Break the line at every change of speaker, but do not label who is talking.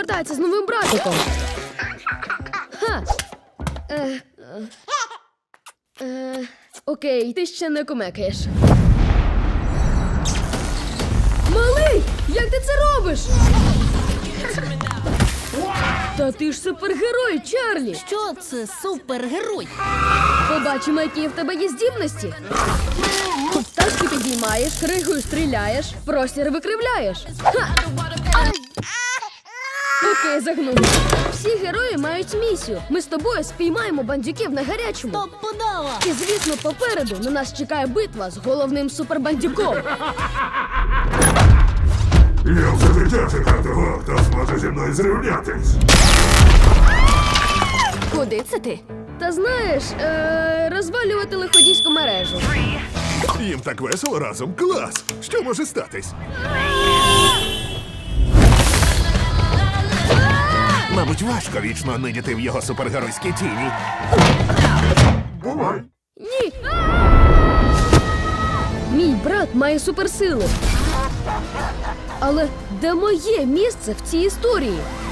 повертається з новим братиком. Ха! Окей, ти ще не кумекаєш. Малий! Як ти це робиш? Та ти ж супергерой, Чарлі!
Що це супергерой?
Побачимо, які в тебе є здібності. Тачки підіймаєш, кригою стріляєш, простір викривляєш. Ха! Окей, загнув. Всі герої мають місію. Ми з тобою спіймаємо бандюків на гарячому.
Топ-подава!
І, звісно, попереду на нас чекає битва з головним супербандюком.
Я вже дитя чекав того, хто зможе зі мною зрівнятись.
Куди це ти?
Та знаєш, розвалювати лиходійську мережу.
Їм так весело разом. Клас! Що може статись? Мабуть, важко вічно нидіти в його супергеройській тіні. Бувай!
Ні! Мій брат має суперсили. Але де моє місце в цій історії?